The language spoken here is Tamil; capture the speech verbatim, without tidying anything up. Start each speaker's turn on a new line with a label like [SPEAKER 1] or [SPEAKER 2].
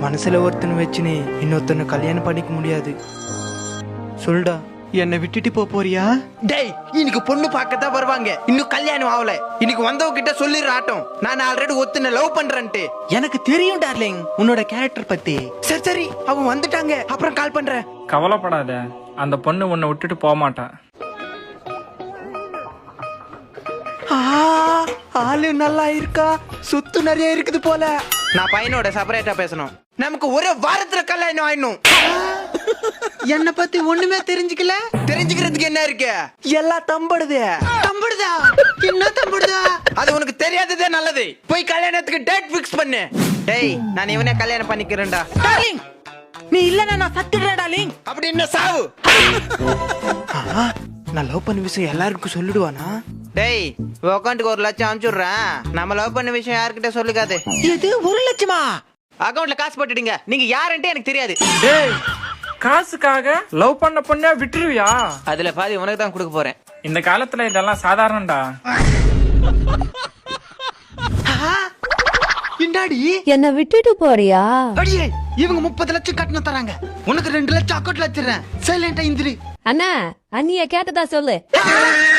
[SPEAKER 1] மனசுல ஒருத்தனை வச்சுன்னு இன்னொருத்தனை கல்யாணம் பண்ணிக்க முடியாது. சொல்டா, என்னை விட்டுட்டு போ போறியா? டேய், இன்னைக்கு பொண்ணு பார்க்கத்தான் வருவாங்க, இன்னும் கல்யாணம் ஆகல. இன்னைக்கு வந்தவங்க கிட்ட சொல்லிடுற ஆட்டம், நான் ஆல்ரெடி ஒத்துன லவ் பண்றேன்ட்டு. எனக்கு தெரியும் டார்லிங் உன்னோட கேரக்டர் பத்தி. சரி சரி, அவங்க வந்துட்டாங்க, அப்புறம் கால் பண்றேன்.
[SPEAKER 2] கவலைப்படாத, அந்த பொண்ணு உன்னை விட்டுட்டு போக மாட்டா.
[SPEAKER 1] ஆளு நல்லா இருக்கா, சுத்து நிறைய இருக்குது போல. நான் பையனோட செப்பரேட்டா பேசணும். நமக்கு ஒரு வாரத்துல கல்யாணம் ஆயிடணும். என்ன பத்தி ஒண்ணுமே தெரிஞ்சுக்கல. தெரிஞ்சுக்கிறதுக்கு என்ன இருக்கு? எல்லாம் தம்படுது. தம்படுதா? என்ன தம்படுதா? அது உனக்கு தெரியாததே நல்லது. போய் கல்யாணத்துக்கு டேட் பிக்ஸ் பண்ணு. டேய், நான் இவனே கல்யாணம் பண்ணிக்கிறேன்டா. டார்லிங், நீ இல்லனா நான் சத்துறேன் டார்லிங். அப்படி என்ன சாவு? நான் லவ் பண்ண விஷயம் எல்லாருக்கும் சொல்லிடுவானா? டேய், அக்கௌண்ட்டுக்கு ஒரு லட்சம் அனுப்பிச்சுடுறேன். நம்ம லவ் பண்ண விஷயம் யாருக்கிட்ட சொல்லிக்காது. இது ஒரு லட்சமா? அக்கௌண்ட்ல காசு போட்டுடுங்க. நீங்க யாருன்ட்டு எனக்கு தெரியாது.
[SPEAKER 2] டேய், காசுக்காக லவ் பண்ண பொண்ணா விட்டுருவியா?
[SPEAKER 1] அதுல பாதி உனக்கு தான் கொடுக்க போறேன்.
[SPEAKER 2] இந்த காலத்துல இதெல்லாம் சாதாரணம்டா.
[SPEAKER 1] இண்டாடி
[SPEAKER 3] என்ன விட்டுட்டு போறியா?
[SPEAKER 1] அடியே, இவங்க முப்பது லட்சம் கட்டணம் தராங்க, உனக்கு ரெண்டு லட்சம் அக்கௌண்ட்ல வச்சிடுறேன். சைலண்டா இந்திரி.
[SPEAKER 3] அண்ணா, அண்ணிய கேட்டதா சொல்லு.